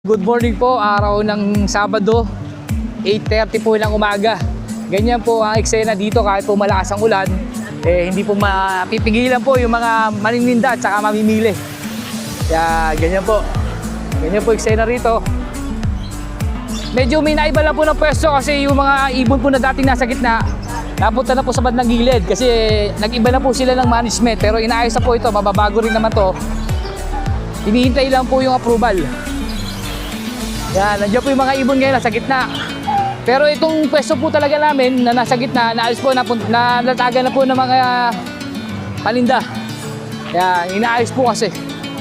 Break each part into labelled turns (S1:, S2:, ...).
S1: Good morning po, araw ng Sabado, 8:30 po ng umaga. Ganyan po ang eksena dito kahit po malakas ang ulan, hindi po mapipigilan po yung mga manininda at saka mamimili. Kaya ganyan po eksena rito. Medyo may naiba lang po ng pwesto kasi yung mga ibon po na dating nasa gitna, napunta na po sa bandang gilid kasi nag-iba na po sila ng management. Pero inaayos na po ito, mababago rin naman to. Hinihintay lang po yung approval. Yan, nandiyan po yung mga ibon ngayon nasa gitna. Pero itong pwesto po talaga namin na nasa gitna, naalis po, nalatagan na po ng mga paninda. Yan, inaayos po kasi.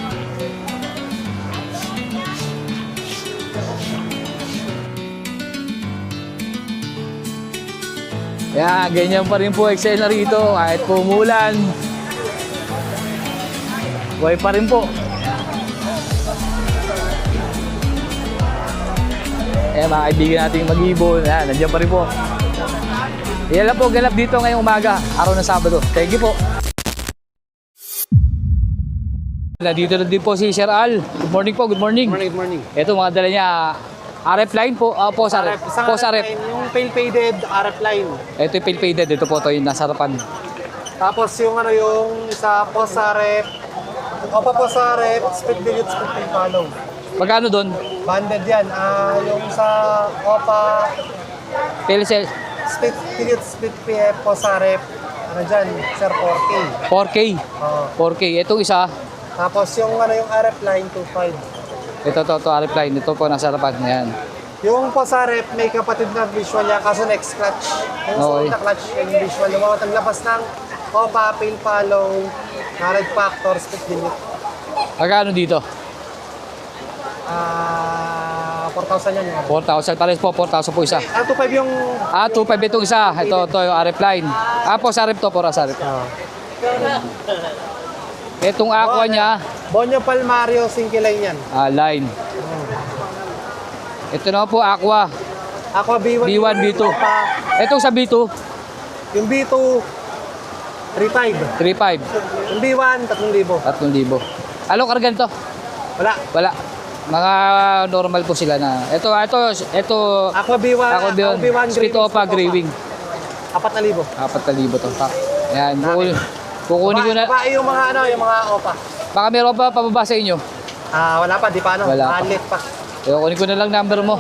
S1: Yan, ganyan pa rin po eksena rito kahit po umulan. Buhay pa rin po. Mga kaibigan nating mag-ibon, nandiyan pa rin po. Yan lang po ganap dito ngayong umaga, araw ng Sabado. Thank you po. Dito na din po si Sir Al. Good morning po, good morning.
S2: Good morning.
S1: Ito mga dala niya, RF line po, post RF. Post RF.
S2: Yung pale faded RF line.
S1: Ito yung pale faded, ito po ito yung nasa harapan.
S2: Tapos yung yung isa post RF. Opa post RF, split dilute, split follow.
S1: Magkano doon?
S2: Banded yan. Yung sa Opa,
S1: PLCL.
S2: split dilute, split PF, post RF. Ano dyan, sir, 4K.
S1: 4K.
S2: Oo.
S1: 4K. Itong isa,
S2: Tapos yung yung RF line, 2.5.
S1: ito RF line. Ito po nasa harapan. Yan.
S2: Yung post RF, may kapatid na visual niya, kaso next clutch. Yung
S1: Okay.
S2: sa clutch, yung visual. Yung mga taglabas ng Opa, pale follow, red factor, split dilute.
S1: Magkano dito?
S2: 4,000 yan.
S1: 4,000. Pares po, 4,000 po isa.
S2: 2.5 yung...
S1: 2.5 itong isa. Ito yung RF line. Po, sarip to, pora sarip. Itong aqua niya,
S2: Bonyo Palmario, Singkilay yan.
S1: line. Ito na po, aqua.
S2: Aqua B1.
S1: B1, B2. Itong sa B2,
S2: Yung B2, 3.5.
S1: 3.5.
S2: Yung B1, 3,000.
S1: 3,000. Anong kargan to?
S2: Wala.
S1: Wala. Mga normal po sila na. Ito.
S2: Aqua B1.
S1: Aqua B1. Split Opa, Grey Wing.
S2: 4,000.
S1: 4,000 to. Ayan. Kukunin ko na.
S2: Babae yung mga yung mga Opa.
S1: Baka meron pa pababa sa inyo.
S2: Wala pa, di pa
S1: Wala pa.
S2: Alit pa.
S1: Kukunin ko na lang number mo.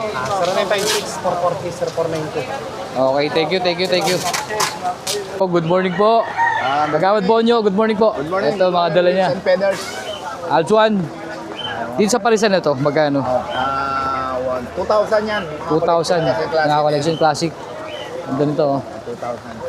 S2: 0956-440-0492.
S1: Okay, thank you. Oh, good morning po. Magawad Bonyo, good morning po.
S3: Good morning.
S1: Ito mga dala niya.
S3: St. Peders.
S1: Aljuan. Dito sa Parisan na to, magkano?
S3: 2,000 yan.
S1: 2,000. Mga collection classic. Ang ganito oh.
S3: 2,000.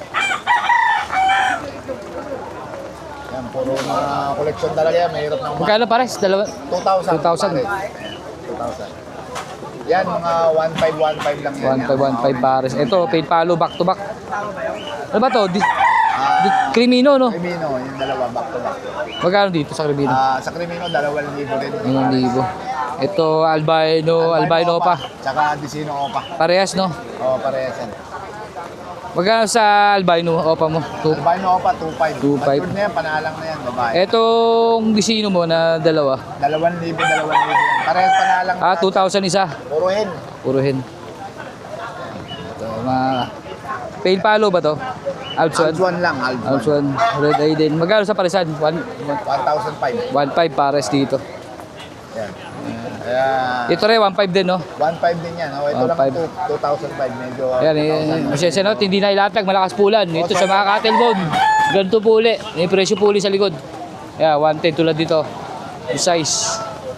S3: Yan, puro mga collection talaga yan. Mahirap na
S1: Magkano pares?
S3: 2,000.
S1: 2,000.
S3: 2,000. Yan, mga 1,500 lang yan.
S1: 1,515 pares. Ito, paid palo, back to back. Ano ba to? Crimino, no?
S3: Crimino, yung dalawa, back to back.
S1: Magkano dito sa Crimino?
S3: Sa Crimino, 2,000 din.
S1: 1,000. Ito, albino pa.
S3: Tsaka Dicino Opa.
S1: Parehas, no?
S3: Oo, parehas yan.
S1: Magkano sa albino opa mo?
S3: Albino Opa, 2,500.
S1: 2,500.
S3: Matured na yan, panalang na yan, babae.
S1: Etong disino mo na dalawa.
S3: 2,000. Parehas panalang.
S1: 2,000 isa.
S3: Puro hen.
S1: Puro hen. Ito, pale palo ba to? Aljuan.
S3: Aljuan lang, Aljuan.
S1: Aljuan. Red eye din. Magkano sa Parisan?
S3: 1,500.
S1: 1,500 pares dito.
S3: Yan. Ayan.
S1: Ito rin, 1,500 din, no?
S3: 1,500 din yan. Oh, ito
S1: 1,500.
S3: lang 2,005. Medyo
S1: Ayan, masensya no, hindi na ilatag, malakas pulan. Ito sa mga cattle bone, ganito po uli. May presyo po uli sa likod. Ayan, 110 tulad dito. Yung size.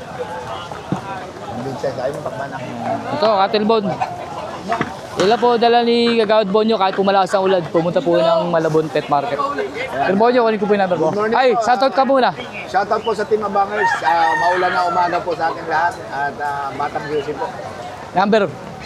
S3: Ayaw mo pakmanak.
S1: Ito, cattle bone. Ila po dala ni Gagawad Bonyo kahit pumalakas ang ulan, pumunta po ng Malabon Pet Market. Pero Bonyo, kunin ko po yung number mo. Ay, shoutout ka muna.
S3: Shoutout po sa Team Abangers. Maulan na umaga po sa ating lahat. At Batang Juicy po.
S1: Number.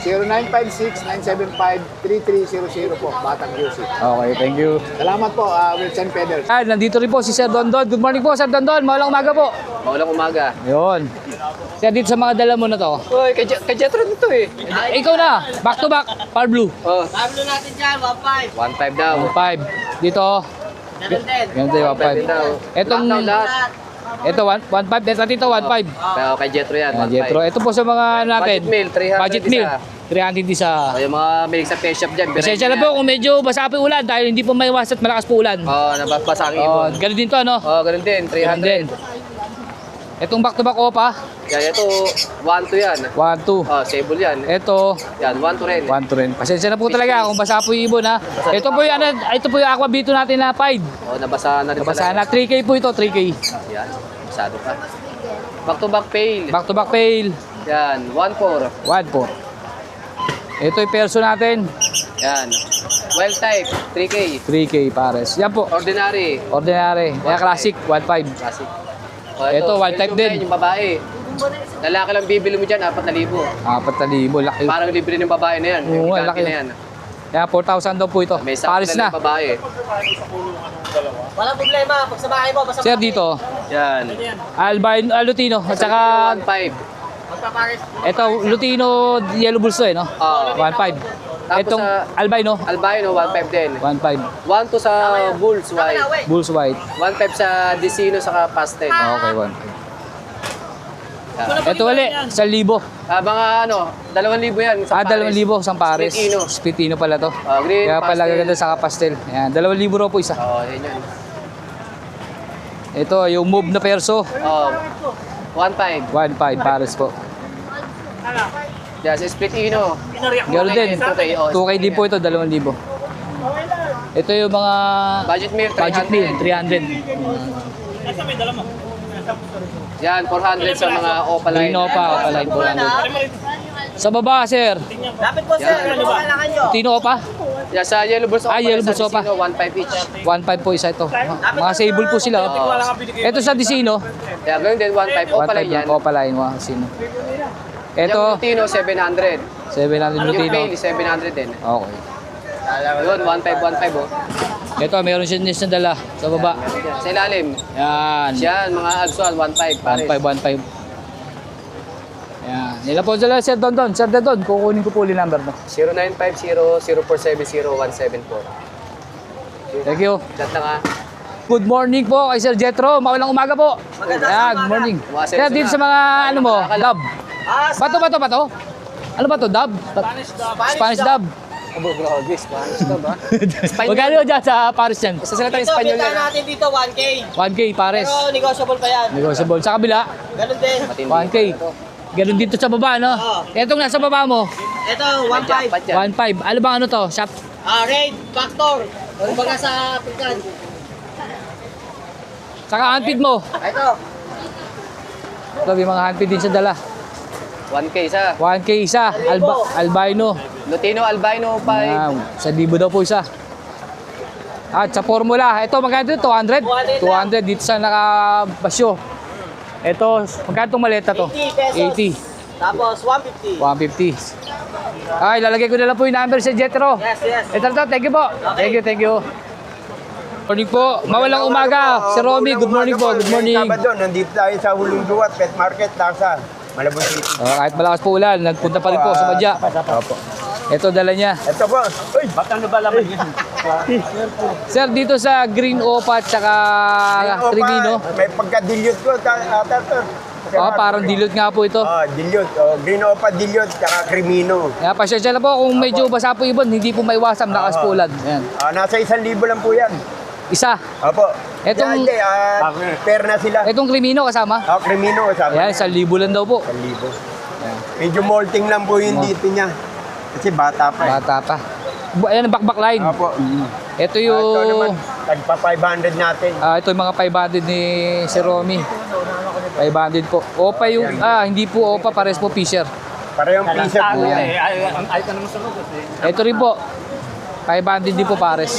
S3: 0956-975-3300 po. Batang Juicy.
S1: Okay, thank you.
S3: Salamat po, Wilson Peders.
S1: Nandito rin po si Sir Dondon. Good morning po, Sir Dondon. Maulang umaga po.
S4: Maulang umaga.
S1: Yun. Sir, dito sa mga dala mo na to.
S4: Uy, kajetron ito eh.
S1: Ikaw na, back to back, Par Blue.
S4: Oh,
S5: Pablo natin dyan, 1.5.
S4: 1.5 daw.
S1: 5. Dito,
S5: Ganun din.
S1: ganito yung 5.
S4: daw.
S1: Etong,
S4: Lockdown lahat.
S1: Ito, 1.5. Ito, dito, 1.5.
S4: Pero kay Jetro yan.
S1: Ayan, Jetro. Ito po sa mga natin.
S4: Budget meal, 300
S1: Budget meal,
S4: isa.
S1: 300 isa.
S4: O, yung mga milig sa pet shop dyan.
S1: Pasensya na po kung medyo basa po yung ulan dahil hindi po may iwas at malakas po ulan.
S4: Oo, nabasa ang
S1: Oh,
S4: ibon.
S1: ganun din to, ano?
S4: Oo, ganun din. 300.
S1: Itong back-to-back opa,
S4: Yan, ito, 1-2 yan.
S1: 1-2.
S4: Oh, sable yan.
S1: Ito,
S4: Yan, 1-2 rin.
S1: 1-2 rin. Pasensya na po talaga kung basa po yung ibon, ha. Ito po yung, ano, ito po yung aquabito natin na 5.
S4: Oh, nabasa na rin
S1: Basa
S4: pala.
S1: na, 3K po ito, 3K.
S4: Yan, masado pa. Back to back pail.
S1: Back-to-back pail,
S4: Yan, 1-4.
S1: 1-4. Ito yung perso natin,
S4: Yan. Wild type, 3K.
S1: 3K pares. Yan po,
S4: Ordinary,
S1: ordinary. Kaya classic, 1.5.
S4: classic. Oh,
S1: Ito, wild type din.
S4: Yung babae. Lalaki lang bibili mo dyan, 4,000.
S1: 4,000, laki.
S4: Parang libre ng babae na yan.
S1: Oo,
S4: Yung
S1: laki.
S4: na yan.
S1: Kaya 4,000 daw po ito.
S4: May
S1: Pares
S4: sakto
S1: na.
S4: ng babae.
S5: Walang problema. Pag sa bahay mo, basta
S1: Sir, dito,
S4: Yan.
S1: Albino, Lutino, at saka
S4: 1.5.
S5: magpapares.
S1: ito, Lutino Yellow Bulls to eh, no?
S4: Oo.
S1: 1.5.
S4: Tapos
S1: Itong
S4: sa-
S1: Albino,
S4: Albino, 1.5 din.
S1: 1.5.
S4: 1 to sa Bulls White.
S1: Bulls White.
S4: 1.5 sa Dicino saka Pastel.
S1: Okay, 1.5.
S4: Yan.
S1: Ito ulit, 1,000.
S4: Mga ano, 2,000 yan. Sa
S1: 2,000 isang pares.
S4: Spitino.
S1: Spitino pala to.
S4: Green,
S1: Kaya pala
S4: pastel.
S1: gaganda sa pastel. Ayan, 2,000 raw po isa.
S4: Oo, yan yan.
S1: Ito, yung move na perso,
S4: 1.5.
S1: 1.5 pares po.
S4: Yan, sa Splitino.
S1: Ganoon din.
S4: 2K. Oh,
S1: 2K din po ito, 2,000. Ito yung mga
S4: Budget meal, 300.
S1: budget meal, 300.
S4: Yan, 400 sa mga opaline.
S1: Green Opa, Opaline 400. Sa baba, sir.
S5: Lapit po, sir. Ano ba kailangan nyo?
S1: Tino Opa?
S4: Yan, sa Yellow Bulls Opa.
S1: Yellow
S4: sa
S1: Bulls Opa.
S4: Dicino, 1.5 each.
S1: 1.5 po isa ito. Mga sable po sila. Oh. Ito sa Dicino,
S4: Yan, ganun din, 1.5 opaline
S1: 1.5
S4: yan.
S1: lang. Opaline, mga Dicino.
S4: Yung
S1: Ito,
S4: Lutino, 700.
S1: 700
S4: Yung
S1: Lutino.
S4: Bailey, 700 din.
S1: Okay.
S4: Yun, 1.5 oh.
S1: Ito, meron siya niya dala sa baba.
S4: Sa ilalim.
S1: Yan.
S4: Yan, mga Agsual, 1.5 pares.
S1: 1.5. Yan. Nila po dala, Sir Dondon. Sir Dondon, kukunin ko po ulit number mo.
S4: 0950-0470-174.
S1: Thank you.
S4: Chat lang ha.
S1: Good morning po kay Sir Jetro. Mawalang umaga po. Yan, good morning. Sir, dito sa mga ano mo, dub. Bato. Ano ba to, dub? Spanish dub.
S4: Abo, grabe, Spanish ka ba?
S1: Magkano dyan sa Paris yan?
S4: Sa salita ng
S5: Ito,
S4: Espanyol
S5: pinta
S4: yan.
S5: natin dito, 1K.
S1: 1K Pares.
S5: Pero negotiable pa yan.
S1: Negotiable. Sa kabila,
S5: Ganun din.
S1: 1K. Ganun dito sa baba, no?
S5: Oo.
S1: Etong nasa baba mo,
S5: Ito,
S4: Jackpot
S5: 1.5.
S4: yan.
S1: 1.5. Ano bang ano to? Shop?
S5: Raid, factor. Kumbaga sa African.
S1: Saka handpid mo.
S5: Ito.
S1: Ito, may mga handpid din sa dala.
S4: 1K sa
S1: 1K isa. Albino.
S4: Lutino Albino 5.
S1: Yan. Sa libo daw po isa. At sa formula, ito magkano dito? 200? 200 dito sa nakabasyo. Ito, magkano itong maleta to?
S5: 80 pesos.
S1: 80.
S5: Tapos 150.
S1: 150. Ay, lalagay ko na lang po yung number sa Jetro.
S5: Yes.
S1: Ito, thank you po. Thank you. Morning po. Mawalang umaga. Si Romy, good morning po. Good morning.
S6: Sabado, nandito tayo sa Hulong Duwat, Pet Market, Laksan, Malabon City.
S1: Kahit malakas po ulan, nagpunta pa rin po sa Badya.
S6: Opo.
S1: Ito, dala niya.
S6: Ito po. Uy, bakang ba laman yun?
S1: Sir, dito sa Green Opa at saka Tribino.
S6: May pagka-dilute ko, sir.
S1: Parang dilute nga po ito.
S6: Dilute. Green Opa, dilute, tsaka Crimino.
S1: Kaya pasensya na po kung medyo basa po ibon, hindi po maiwasan, lakas po ulan. Ayan.
S6: Nasa 1,000 lang po yan.
S1: Isa.
S6: Opo.
S1: Etong-
S6: Hindi, pair na sila.
S1: Itong Crimino kasama.
S6: Crimino, sabi
S1: Ayan, 1,000 lang daw po.
S6: 1,000. Medyo molting lang po yung dito niya. Kasi bata pa.
S1: Bata pa. Ayan ang back line.
S6: Opo.
S1: Ito
S6: Ito
S1: yung...
S6: naman, tagpa 500 natin.
S1: ito yung mga 500 ni si Romy. 500 po. Opa yung... hindi po Opa, pares po Fisher.
S6: Parehong Fisher po yan.
S1: Ito rin po. 500 din po pares.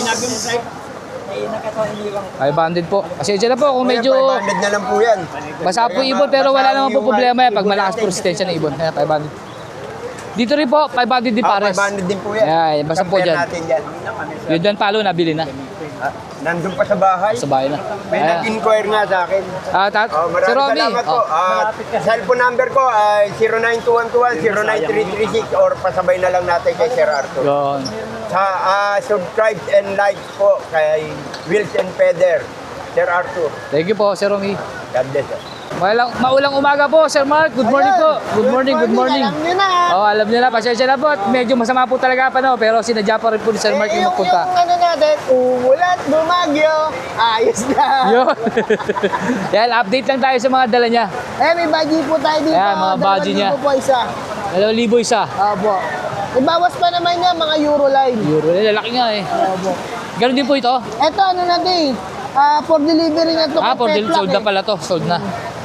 S1: 500 po. Pasensya na po kung medyo
S6: 500 na lang po yan.
S1: basa po ibon pero wala naman po problema yan pag malakas po resistensya ng ibon. Kaya 500. Dito rin po, 500 din pares.
S6: 500 din po yan.
S1: Ayan, basta po
S6: Compare
S1: dyan.
S6: natin dyan.
S1: Yun dyan palo, nabili na.
S6: Nandun pa sa bahay.
S1: Sa bahay na.
S6: May
S1: Ayan.
S6: nag-inquire nga sa akin. Si Maraming
S1: Romy.
S6: salamat po. Cellphone number ko ay 09212-09336 or pasabay na lang natin kay Sir Arthur.
S1: Yun.
S6: Subscribe and like po kay Wills and Feather. Sir Arthur.
S1: Thank you po, Sir Romy.
S6: God bless, sir.
S1: Maulang umaga po, Sir Mark. Good morning po. Good morning, good morning.
S5: Alam nyo na.
S1: Oh, alam niyo na, pasensya na po. At medyo masama po talaga pa, no? Pero sinadya pa rin po ni Sir Mark yung magpunta.
S5: Yung ano natin, umulat, bumagyo, ayos na.
S1: Yun. Yan, update lang tayo sa mga dala niya.
S5: May budget po tayo dito.
S1: Ayan, mga budget niya.
S5: 2,000 po isa.
S1: 2,000 isa.
S5: Opo. Ibawas pa naman niya mga Euro line.
S1: Euro, lalaki nga eh.
S5: Opo.
S1: Ganun din po ito.
S5: Ito ano natin, for delivery na to.
S1: For sold na pala to. Sold na.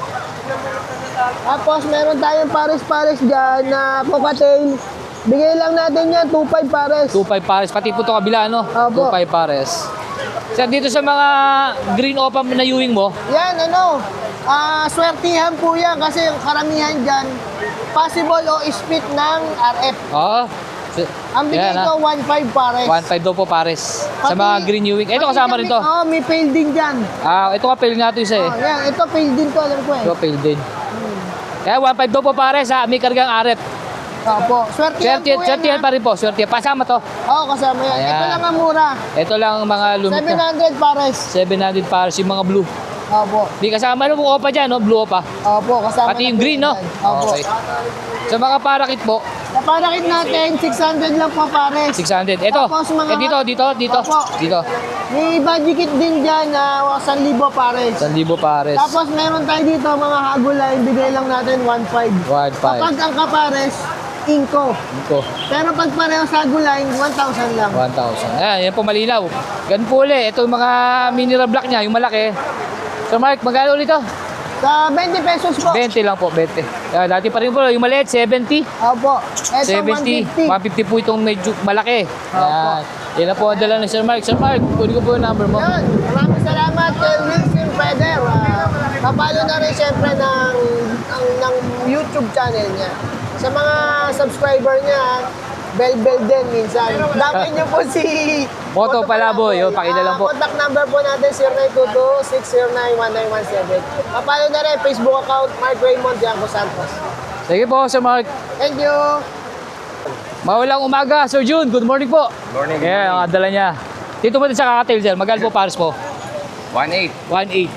S5: Tapos meron tayong pares-pares dyan na cocktail. Bigay lang natin yan, 2,500 pares.
S1: 2.5 pares. Pati po ito kabila, no?
S5: Opo.
S1: 2.5 pares. Sir, dito sa mga green opa na Ewing mo,
S5: Yan, swertihan po yan kasi yung karamihan dyan, possible o split ng RF.
S1: oo.
S5: Ang bigay
S1: Yan,
S5: ko, 1,500 pares.
S1: 1.5 daw po pares. Sa
S5: Pati-
S1: mga green Ewing. Ito
S5: pati
S1: kasama
S5: kami-
S1: rin to.
S5: Oo, may fail din dyan.
S1: Ito kapil nga ito isa eh.
S5: Yan, ito fail din to, alam ko eh.
S1: Ito fail din. Kaya 1.5 daw po pares ha. May kargang RF.
S5: Opo, swertihan po yan.
S1: Swertihan pa rin po. Swertihan. Pasama to.
S5: Oo, kasama yan. Ito
S1: Ayan.
S5: lang ang mura.
S1: Ito lang ang mga lumit na.
S5: 700 pares.
S1: 700 pares yung mga blue.
S5: Opo.
S1: Di kasama yung opa dyan, no? Blue opa.
S5: Opo, kasama
S1: Pati
S5: na
S1: yung
S5: po
S1: green, no?
S5: yan. Opo.
S1: Okay. Sa mga parakit po,
S5: Sa parakit natin, 600 lang po pares.
S1: 600. Ito.
S5: Tapos mga-
S1: Dito.
S5: Opo.
S1: Dito.
S5: May budget kit din dyan na 1,000 pares.
S1: 1,000 pares.
S5: Tapos meron tayo dito mga hagulay, bigay lang natin 1,500.
S1: 1.5.
S5: Kapag ang kapares, inko.
S1: Ito.
S5: Pero pag pareho sa hagulay, 1,000 lang.
S1: 1,000. Ayan, yan po malinaw. Ganun po ulit. Ito yung mga mineral block niya, yung malaki. So Mark, magkano ulit ito?
S5: Sa 20 pesos po.
S1: 20 lang po, 20. Dati pa rin po, yung maliit, 70.
S5: Opo. Ito
S1: 70.
S5: 150.
S1: 150 po itong medyo malaki.
S5: Opo.
S1: Yan na po ang dala ni Sir Mark. Sir Mark, kunin ko po yung number mo.
S5: Yun. Maraming salamat kay Wilson Feder. Papalo na rin siyempre ng YouTube channel niya. Sa mga subscriber niya, bell din minsan. Dapat niyo po si
S1: Moto Palaboy. Yun, pakita lang po.
S5: Contact number po natin 0922-609-1917. Papalo na rin Facebook account Mark Raymond Dianco Santos.
S1: Sige po, Sir Mark.
S5: Thank you.
S1: Mawalang umaga, Sir June. Good morning po.
S6: Morning.
S1: Kaya ang dala niya. Dito po din sa kakatail, Sir. Magkano po pares po?
S6: 1.8.
S1: 1.8.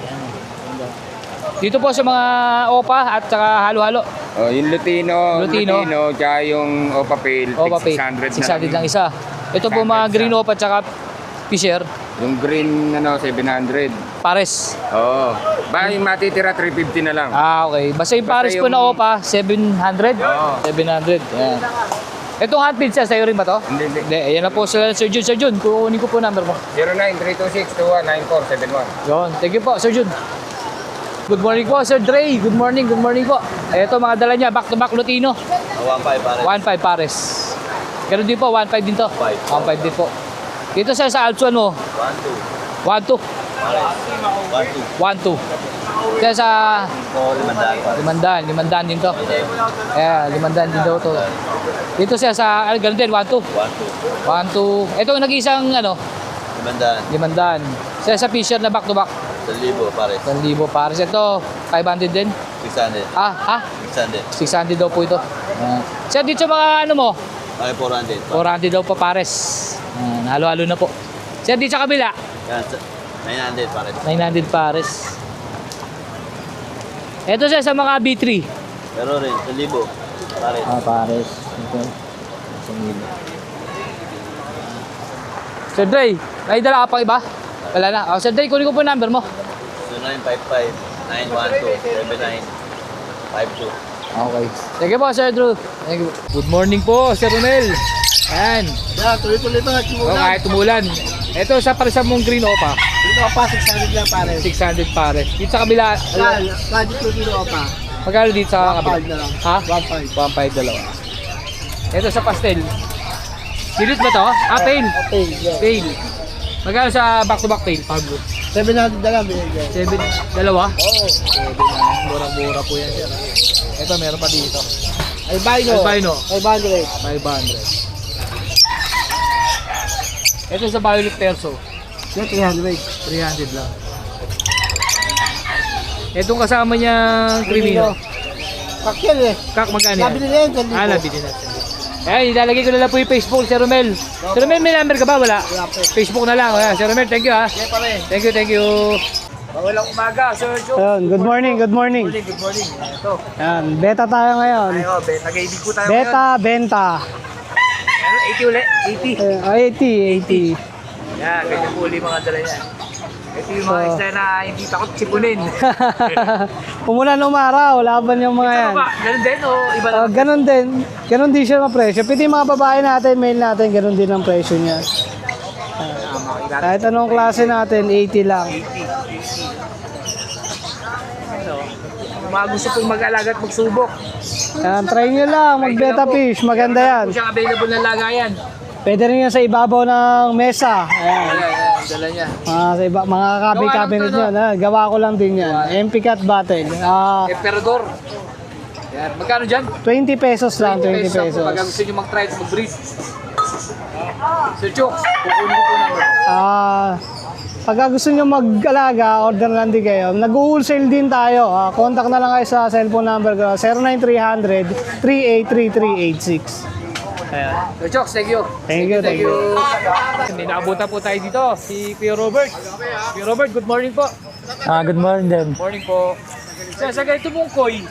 S1: Dito po sa mga opa at saka halo-halo.
S7: Oh, yung Lutino,
S1: Lutino.
S7: tsaka yung Opa Pale,
S1: Opa pay.
S7: 600
S1: 600 lang isa. Ito po mga
S7: 600
S1: green
S7: isa.
S1: opa at saka Fisher.
S7: Yung green, 700.
S1: Pares.
S7: Oo. Ba, yung matitira, 350 na lang.
S1: Okay. Basta yung
S7: Basta
S1: pares po
S7: yung-
S1: na opa, 700?
S7: Oo.
S1: 700. Yan. Itong handpill siya, sa'yo rin ba to?
S7: Hindi, hindi.
S1: Hindi, ayan na po sila, Sir Jun. Sir Jun, kukunin ko po number mo.
S7: 09-326-219471.
S1: Yun. Thank you po, Sir Jun. Good morning po, Sir Dre. Good morning po. Ito, mga dala niya, back-to-back Lutino.
S3: 1,500 pares.
S1: 1.5 pares. Ganun din po, 1.5 din to. 1.5 din po. Dito sa Alpsuan mo, 1.2. 1.2. Kaya sa 500 din to. Eh, 500 din daw to. Dito siya sa, ganun din, 1.2. 1.2. Ito nag-isang, 500. Siya sa Fisher na back-to-back.
S3: 1,000 pares.
S1: 1,000 pares. Ito, 500 din.
S3: 600.
S1: 600
S3: 600.
S1: daw po ito. Siya dito sa mga mo,
S3: Okay, 400.
S1: 400 daw pa pares. Halo-halo na po. Siya dito sa kabila,
S3: Yan, 900 pares.
S1: 900 pares. Ito siya sa mga B3.
S3: Pero rin, 1,000 pares.
S1: Pares. Ito. Sir Dre, may dala ka pa iba? Wala na. Sir Dre, kunin ko po yung number mo.
S3: 0955-912-7952.
S1: Okay. Sige po, Sir Drew. Thank you. Good morning po, Sir Romel. Ayan.
S5: Yeah, tuloy-tuloy pa.
S1: Kahit tumulan. Ito sa parisa mong green opa.
S5: Dito pa, 600 lang pares.
S1: 600 pares. Dito sa kabila,
S5: Budget ko dito pa.
S1: magkano dito sa
S5: 1.5
S1: kabila?
S5: na lang.
S1: Ha?
S5: 1.5.
S1: 1.5 dalawa. Ito sa pastel. Dilute ba to? Pale.
S5: Okay, yeah.
S1: Pale. Magkano sa back-to-back pale? Pablo.
S5: 700 na lang binigyan.
S1: 7, dalawa?
S5: Oo.
S1: 7 mura-mura po yan, sir. Ito, meron pa dito.
S5: Albino.
S1: Albino.
S5: 500.
S1: 500. Ito sa Violet Perso.
S5: Yan, 300.
S1: 300 lang. Itong kasama niyang Crimino.
S5: Kakil eh.
S1: Kak, magkano yan?
S5: Nabili na yan, 1,000.
S1: Nabili na. Ayan, ilalagay ko na lang po yung Facebook, Sir Romel. Sir Romel, may number ka ba? Wala.
S5: Wala po.
S1: Facebook na lang. Ayan, Sir Romel, thank you ha.
S5: Yan pa rin.
S1: Thank you, thank you. Mawalang umaga, Sir Joe.
S8: Ayun, good morning, good morning.
S1: Good morning. Ito.
S8: Ayan, beta tayo ngayon.
S1: Ayo, nag-ibig po tayo
S8: Beta, benta.
S1: ngayon. Ano, 80 ulit? 80.
S8: 80, 80.
S1: Yan, ganyan po ulit mga dala yan. Ito yung mga isda na hindi takot sipunin.
S8: Umulan umaraw, laban yung mga yan.
S1: Ano ba? Ganun din o iba na?
S8: Ganon din. Ganon din siya ang presyo. Pati yung mga babae natin, male natin, ganon din ang presyo niya. Kahit anong klase natin, 80 lang.
S1: Kung mga gusto pong mag-alaga at magsubok.
S8: Yan, try nyo lang, mag-beta fish. Maganda yan.
S1: Kung siyang available na lagayan.
S8: Pwede rin yan sa ibabaw ng mesa. Ayan.
S1: Ayan, dala niya.
S8: Mga cabinet
S1: Gawa
S8: yan. Gawa ko lang din yan. MP Cat Battle.
S1: Emperador. Yan, magkano dyan?
S8: 20 pesos lang, 20 pesos.
S1: Pag gusto nyo mag-try at mag-breed. Sir Chok, kukunin ko po naman.
S8: Pagka gusto nyo mag-alaga, order lang din kayo. Nag-wholesale din tayo. Contact na lang kayo sa cellphone number ko, 09300-383386. Ayan.
S1: Sir Chok, thank you.
S8: Thank you.
S1: May naabutan po tayo dito, si Kuya Robert. Kuya Robert, good morning po.
S8: Good morning din.
S1: Morning po. Sa ganito pong koi,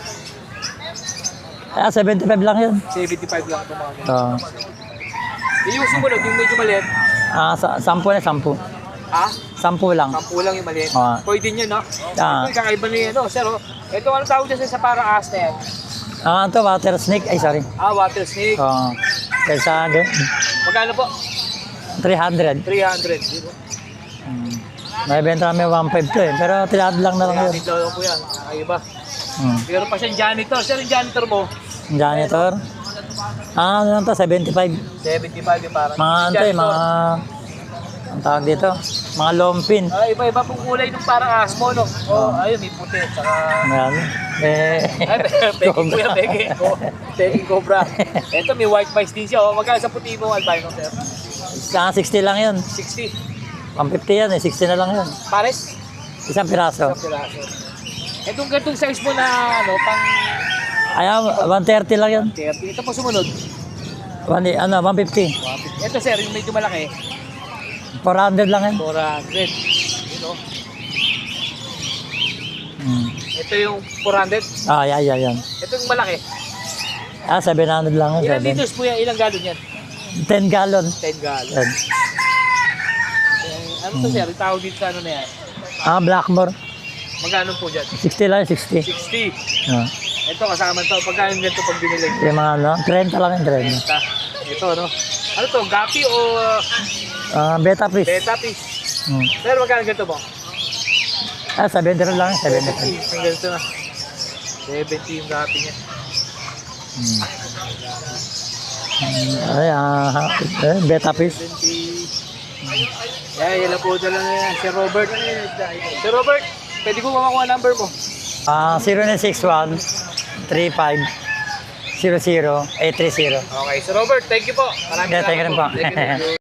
S8: 75 lang yun.
S1: 75 lang ito mga ganito. Yung sumunod, yung medyo maliit.
S8: 10 na 10.
S1: Ha?
S8: 10 lang.
S1: 10 lang yung maliit.
S8: Ah.
S1: Koi din yun, no?
S8: Ah.
S1: Ito, kakaiba na yun, no? Sir, oh. Ito, ano tawag dyan sa parang ahas na yan?
S8: Ito water snake. Ay, sorry.
S1: Water snake.
S8: Kaysa
S1: Magkano po?
S8: 300.
S1: 300.
S8: May benta kami 1.5 to eh. Pero tilad lang na lang yun.
S1: Dito lang po yan. Ay, iba. Pero pa siyang janitor. Sir, yung janitor mo?
S8: Janitor. Ano lang to? 75.
S1: 75 yung parang.
S8: Mga ano to eh, mga... Ang tawag dito? Mga lompin.
S1: Iba-iba pong kulay nung parang ahas mo, no? Ayun, may puti. Tsaka...
S8: Ayan.
S1: Peking kuya, peking. Peking cobra. Ito, may white mice din siya. Magkano sa puti mo, albino, sir?
S8: 60 lang yun.
S1: 60.
S8: 150 yan eh. 60 na lang yun.
S1: Pares?
S8: Isang piraso.
S1: Isang piraso. Itong ganitong size mo na, pang...
S8: Ayan, 130 lang yun.
S1: 30. Ito po sumunod.
S8: 150.
S1: Ito, sir, yung medyo malaki.
S8: 400 lang yan.
S1: 400. You know? Ito yung 400.
S8: Yan.
S1: Ito yung malaki.
S8: 700 lang yun.
S1: Ilang liters po yan? Ilang galon yan?
S8: 10 gallon.
S1: 10 galon.
S8: Yan.
S1: Ano to, sir? Tawag dito sa ano na yan?
S8: Blackmore.
S1: Magkano po dyan?
S8: 60 lang, 60.
S1: 60.
S8: Ah.
S1: Ito kasama to. Pagkano ganito pag binilig?
S8: Yung mga ano, 30 lang yung 30.
S1: Ito, no? Ano to? Gapi o
S8: Beta fish.
S1: beta fish? Pero magkano ganito mo?
S8: 70 lang, 70.
S1: Yung ganito na. 70 yung gapi niya.
S8: Beta fish.
S1: 70. Yan lang po dala na yan. Si Robert. Si Robert, pwede ko makakuha number mo.
S8: 0961 35 00 830.
S1: Okay, si Robert, thank you po. Maraming
S8: Yeah, thank you rin po.
S1: Thank you.